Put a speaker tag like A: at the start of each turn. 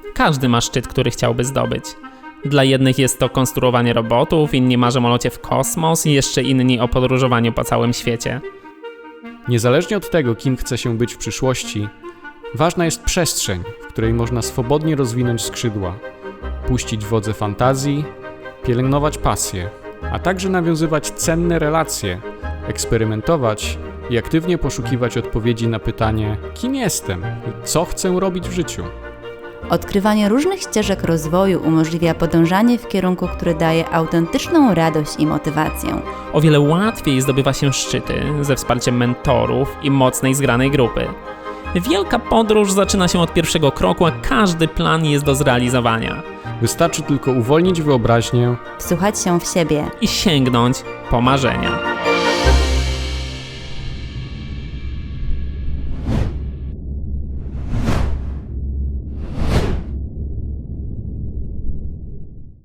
A: Każdy ma szczyt, który chciałby zdobyć. Dla jednych jest to konstruowanie robotów, inni marzą o locie w kosmos i jeszcze inni o podróżowaniu po całym świecie.
B: Niezależnie od tego, kim chce się być w przyszłości, ważna jest przestrzeń, w której można swobodnie rozwinąć skrzydła, puścić wodze fantazji, pielęgnować pasję, a także nawiązywać cenne relacje, eksperymentować i aktywnie poszukiwać odpowiedzi na pytanie, kim jestem i co chcę robić w życiu.
C: Odkrywanie różnych ścieżek rozwoju umożliwia podążanie w kierunku, który daje autentyczną radość i motywację.
A: O wiele łatwiej zdobywa się szczyty ze wsparciem mentorów i mocnej, zgranej grupy. Wielka podróż zaczyna się od pierwszego kroku, a każdy plan jest do zrealizowania.
B: Wystarczy tylko uwolnić wyobraźnię
C: Wsłuchać się w siebie
A: I sięgnąć po marzenia.